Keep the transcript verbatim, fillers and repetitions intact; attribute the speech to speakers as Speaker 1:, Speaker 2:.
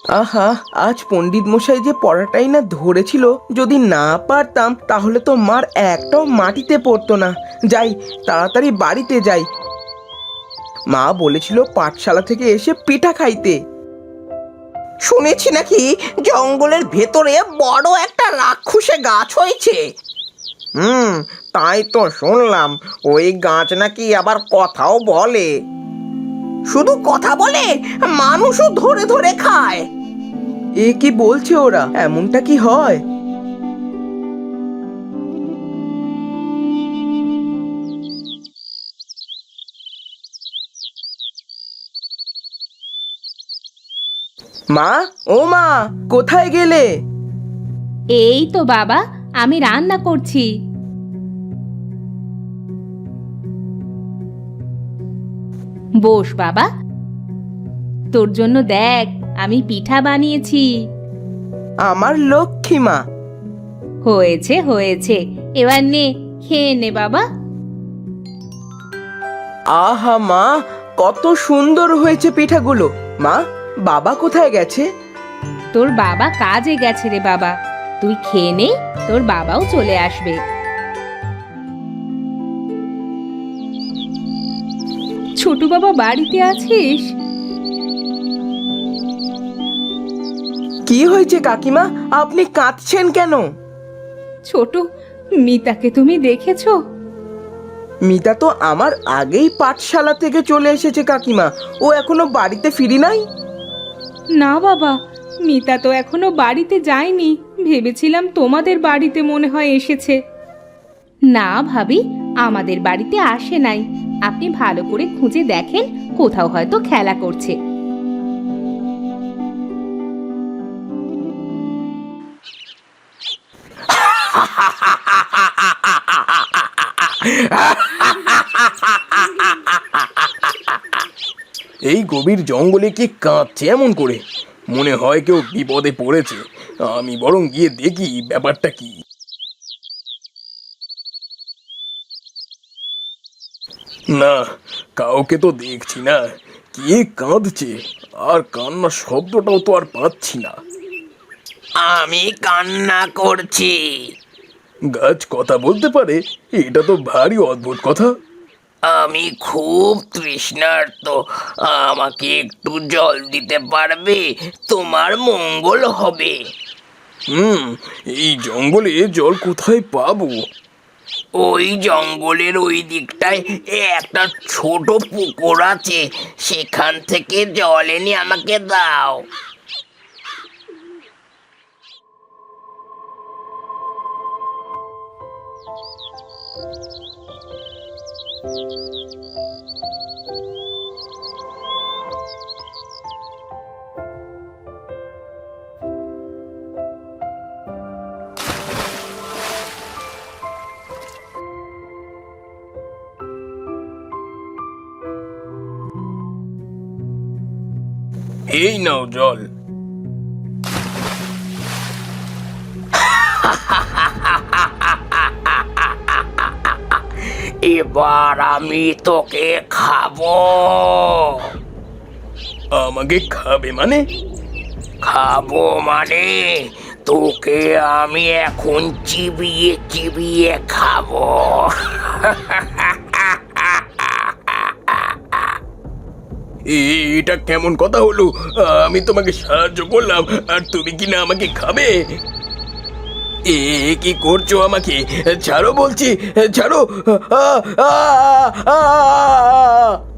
Speaker 1: আহা, আজ পণ্ডিত মশাই যে পড়াটাই না ধরেছিল, যদি না পারতাম তাহলে তো মার একটাও মাটিতে পড়তো না। যাই, তাড়াতাড়ি বাড়িতে যাই। মা বলেছিল পাঠশালা থেকে এসে পিঠা খাইতে।
Speaker 2: শুনেছি নাকি জঙ্গলের ভেতরে বড় একটা রাক্ষসে গাছ হয়েছে। হুম, তাই তো শুনলাম। ওই গাছ নাকি আবার কথাও বলে। শুধু কথা বলে, মানুষও ধরে ধরে খায়।
Speaker 1: এ কি বলছে ওরা? এমনটা কি হয়? মা, ও মা, কোথায় গেলে?
Speaker 3: এই তো বাবা, আমি রান্না করছি। বস বাবা, তোর জন্য দেখ আমি পিঠা বানিয়েছি।
Speaker 1: আমার লক্ষ্মী মা।
Speaker 3: হয়েছে হয়েছে, এবার নে, খেয়ে নে বাবা।
Speaker 1: আহা মা, কত সুন্দর হয়েছে পিঠাগুলো। মা, বাবা কোথায় গেছে?
Speaker 3: তোর বাবা কাজে গেছে রে বাবা, তুই খেয়ে নে, তোর বাবাও চলে আসবে। ছোট বাবা বাড়িতে আছিস?
Speaker 1: কি হয়েছে কাকিমা, আপনি কাঁদছেন কেন?
Speaker 3: ছোট, মিতাকে তুমি দেখেছো?
Speaker 1: মিতা তো আমার আগেই পাঠশালা থেকে চলে এসেছে কাকিমা। ও এখনো বাড়িতে ফিরি নাই।
Speaker 3: না বাবা, মিতা তো এখনো বাড়িতে যায়নি। ভেবেছিলাম তোমাদের বাড়িতে মনে হয় এসেছে। না ভাবি, আমাদের বাড়িতে আসে নাই। আপনি ভালো করে খুঁজে দেখেন, কোথাও হয়তো খেলা করছে।
Speaker 4: এই গভীর জঙ্গলে কি কাঁদছে এমন করে? মনে হয় কেউ বিপদে পড়েছে। আমি বরং গিয়ে দেখি ব্যাপারটা কি। না, কাউকে তো দেখছি না। কে কাঁদছে? আর কান্নার শব্দটাও তো আর পাচ্ছি না।
Speaker 2: আমি কান্না করছি।
Speaker 4: গাছ কথা বলতে পারে? এটা তো ভারী অদ্ভুত কথা।
Speaker 2: আমি খুব তৃষ্ণার্ত, আমাকে একটু জল দিতে পারবে? তোমার মঙ্গল হবে।
Speaker 4: হুম, এই জঙ্গলে জল কোথায় পাবো?
Speaker 2: ওই জঙ্গলের ওই দিকটায় একটা ছোট পুকুর আছে, সেখান থেকে জল এনে আমাকে দাও।
Speaker 4: এই নাও জল।
Speaker 2: এবার আমি তোকে খাবো।
Speaker 4: আমাকে খাবে মানে?
Speaker 2: খাবো মানে তোকে আমি এখন চিবিয়ে চিবিয়ে খাবো।
Speaker 4: এটা কেমন কথা হলো? আমি তোমাকে সাহায্য করলাম আর তুমি কিনা আমাকে খাবে? এ কি করছো আমাকে? ছাড়ো বলছি, ছাড়ো। আ আ আ আ